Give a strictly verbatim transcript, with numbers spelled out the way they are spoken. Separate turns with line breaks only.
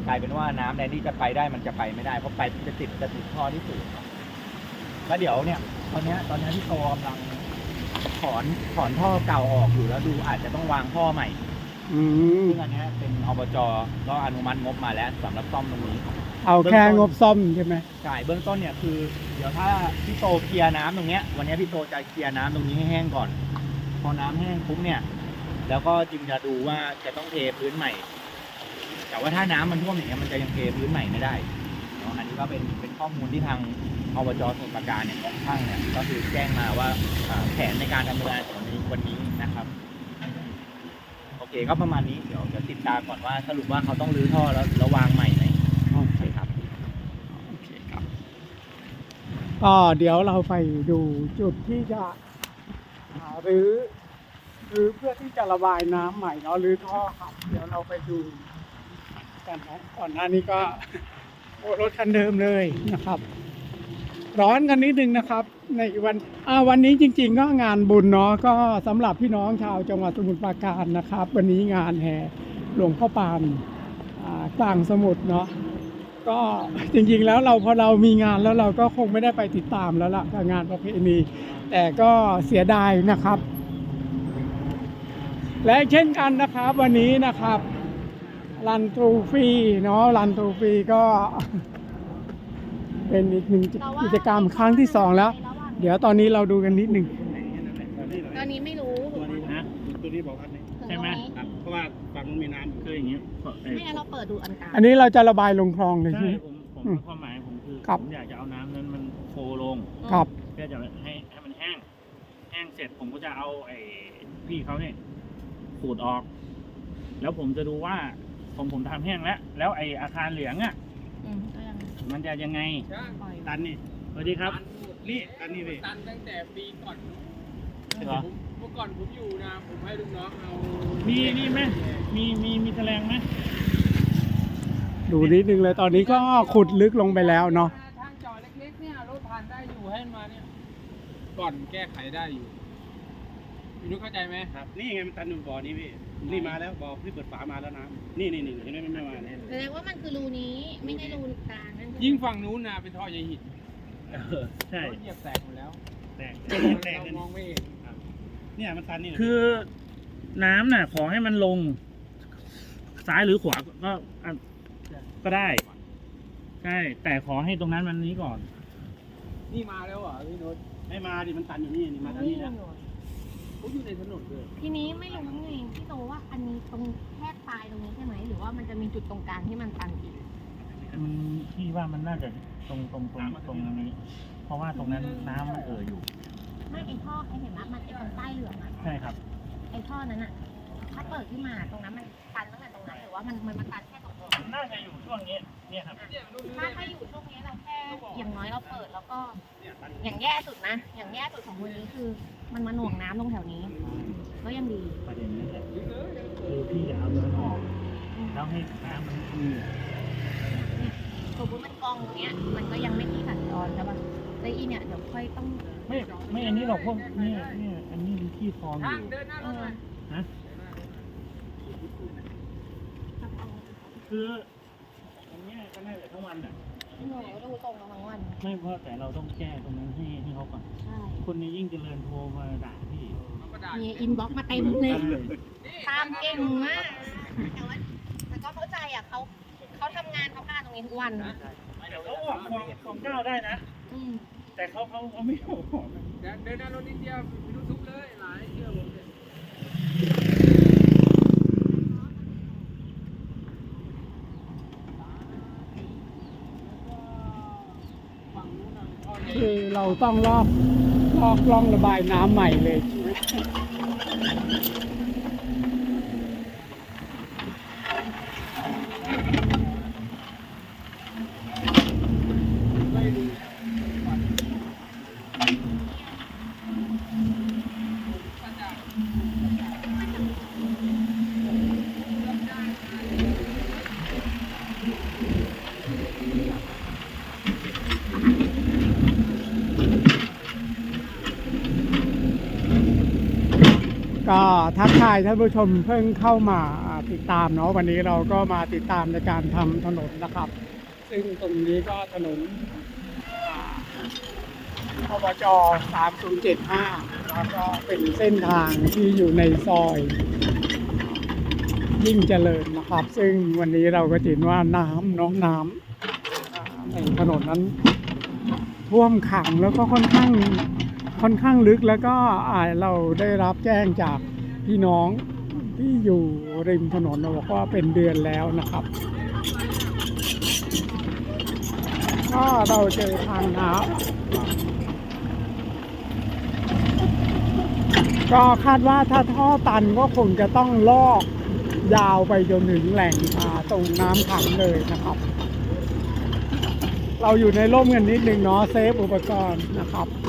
กลายเป็นว่าน้ำแดนที่จะไปได้มันจะไปไม่ได้เพราะไปจะติดจะติดท่อที่สูงแล้วเดี๋ยวเนี่ยตอนนี้ตอนนี้ที่โตกำลังถอนถอนท่อเก่าออกอยู่แล้วดูอาจจะต้องวางท่อใหม่ซึ่งอันนี้เป็นอบจก็อนุมัติงบมาแล้วสำหรับซ่อมตรงนี้
เอาแค่งบซ่อมใช่ไหม
ใช่เบื้องต้นเนี่ยคือเดี๋ยวถ้าพี่โตเคลียร์น้ำตรงเนี้ยวันนี้พี่โตจะเคลียร์น้ำตรงนี้ให้แห้งก่อนพอน้ำแห้งปุ๊บเนี่ยแล้วก็จึงจะดูว่าจะต้องเทพื้นใหม่แต่ว่าถ้าน้ำมันท่วมอย่างเงี้ยมันจะยังเทพื้นใหม่ไม่ได้เนาะอันนี้ก็เป็นเป็นข้อมูลที่ทางอบจสมุทรปราการเนี่ยช่างเนี่ยก็คือแจ้งมาว่าแผนในการดำเนินงานของวันนี้นะครับโอเคก็ประมาณนี้เดี๋ยวจะติดตามก่อนว่าสรุปว่าเขาต้องรื้อท่อแล้วแล้ววางใหม่ไหมใช่ครับ
โอเคครับก็เดี๋ยวเราไปดูจุดที่จะหรือหรือเพื่อที่จะระบายน้ำใหม่เนาะหรือท่อครับเดี๋ยวเราไปดูกันนะก่อนหน้านี้ก็โอ้รถคันเดิมเลยนะครับ ร้อนกันนิดนึงนะครับในวันอ่าวันนี้จริงๆก็งานบุญเนาะก็สำหรับพี่น้องชาวจังหวัดสมุทรปราการนะครับวันนี้งานแห่หลวงพ่อปานอ่ากลางสมุทรเนาะก็จริงๆแล้วเราพอเรามีงานแล้วเราก็คงไม่ได้ไปติดตามแล้วล่ะกับงานประเพณีแต่ก็เสียดายนะครับและเช่นกันนะครับวันนี้นะครับรันทรูฟรีเนาะรันทรูฟรีก็เป็นอีกหนึ่งกิจกรรมครั้งที่สองแล้วเดี๋ยวตอนนี้เราดูกันนิดหนึ่ง
ตอนนี้ไม่รู้
ตัวนี้นะตัวนี้บอกอันนี้ใช่ไหมครับเพราะว่าฝั่งนู้นมีน้ำคืออย่างนี้
ไม่งั้นเราเปิดดูอันกลาง
อันนี้เราจะระบายลงคลองเลยใช่ไหม
ผมผมความหมายผมคือผมอยากจะเอาน้ำนั้นมันโฟลง
ครับ
เพื่อจะให้ให้มันแห้งแห้งเสร็จผมก็จะเอาไอ้พี่เขาเนี่ยขูดออกแล้วผมจะดูว่าผมผมทำแห้งแล้วแล้วไอ้อาคารเหลืองอ่ะมันจะยังไงตันนี่สวัสดีครับนี่ตันนี่เลย
ตันตั้งแต่ปีก่อนเมื่อก่อนผมอยู่นะผมให้ลูกน้องเอา
มีนี่ไหมมีมีมีแถลงไหม
ดูนิดนึงเลยตอนนี้ก็ขุดลึกลงไปแล้วเนาะ
ทางจอเล็กๆเนี่ยรถผ่านได้อยู่ให้มาเนี่ยก่อนแก้ไขได้อยู่พี่นุ๊กเข้าใจไหม
ครับนี่ไงมันตันอยู่บ่อนี้พี่นี่มาแล้วบ่อที่เปิดฝามาแล้วน้ำนี่นี่นี่เห็นไหมไม่มาเนี่ย
แสดงว่ามันคือรูนี้ไม่ใช่รูกลางนั่น
ยิ่งฝั่งนู้นนะเป็นท่อใยหิน
ใช่
เหยียบแตกหมดแล้ว
แตกแตก
มองไม่เห็น
เนี่ยมันตันนี่คือน้ำน่ะขอให้มันลงซ้ายหรือขวาก็ก็ได้ใช่แต่ขอให้ตรงนั้นมันนี้ก่อน
นี่มาแล้วเหรอพี่นุ๊ก
ไม่มาดิมันตันอยู่นี่นี่มาทางนี้แล้ว
เขาอยู่ในถนนเลย
ทีนี้ไม่รู้ไงพี่โตว่าอันนี้ตรงแค่ปลายตรงนี้ใช่ไหมหรือว่ามันจะมีจุดตรงกลางที่มันตันอีก
มันที่ว่ามันน่าจะตรงตรงตรงตรงนี้เพราะว่าตรงนั้นน้ำมันเอ่ออยู่
ไม่ไอท่อไอเห็นไหมมันไอตรงใต้เหลืองอ่ะ
ใช่ครับ
ไอท่อนั้นอ่ะถ้าเปิดขึ้นมาตรงนั้นมันตันตั้งแต่ตรงไหนหรือว่ามันมันมาตันแค่ตรงนี้
น่าจะอยู่ช่วงนี้เนี่ยครับ
ถ้าถ้าอยู่ช่วงนี้เราแค่อย่างน้อยเราเปิดแล้วก็อย่างแย่สุดนะอย่างแย่สุดของวันนี้คือมันมาหน่วงน้ำตรงแถวนี้ก็ยังดี
ประเด็นนี้แหละคือพี่จะเอาเนื้อออกแล้วให้น้ำมันอือ
สมมติมันกองอย่างเงี้ยมันก็ยังไม่ที่สัญจรใช่ป่ะแล้วอีเนี่ยเดี๋ยวค่อยต้อง
ไม่ไม่อันนี้หรอกพวกนี่นี่อันนี้มีที่คลองอยู่ฮะคืออันนี้ก็น่าจะทั้งวันอ่ะ
หนูดูตรงทั้งวัน
ไม่เพราะแต่เราต้องแก้ตรงนั้นให้ให้เขาก่อน
ใช่
คนนี้ยิ่งเจริญโทรมาด่าพี่
มีอินบ็อกซ์มาเต็มเลยตามเก่งมากแต่ว่าแต่ก็เข้าใจอ่ะเขาเขาทำงานเขาการตรงนี้ทุกวัน
เดี๋ยวเขาออกของของเจ้าได้นะแต่เขาเขาเขาไม่ออก
เดินเดินหน้ารถนิดเดียวไปดูทุกเลยหลายเที่ยวผมเลย
คือเราต้องลอกลอกล่องระบายน้ำใหม่เลยใช่ไหมก็ทักทายท่านผู้ชมเพิ่งเข้ามาติดตามเนาะวันนี้เราก็มาติดตามในการทำถนนนะครับ ซึ่งตรงนี้ก็ถนนอบจสามศูนย์เจ็ดห้าแล้วก็เป็นเส้นทางที่อยู่ในซอยยิ่งเจริญนะครับ ซึ่งวันนี้เราก็เห็นว่าน้ำเน้องน้ำในถนนนั้นท่วมขังแล้วก็ค่อนข้างค่อนข้างลึกแล้วก็อ่าเราได้รับแจ้งจากพี่น้องที่อยู่ริมถนนบอกว่าเป็นเดือนแล้วนะครับ ก็เราเจอทางน้ำก็คาดว่าถ้าท่อตันก็คงจะต้องลอกยาวไปจนถึงแหล่งอ่าตรงน้ำขังเลยนะครับ เราอยู่ในร่มกันนิดนึงเนาะเซฟอุปกรณ์นะครับ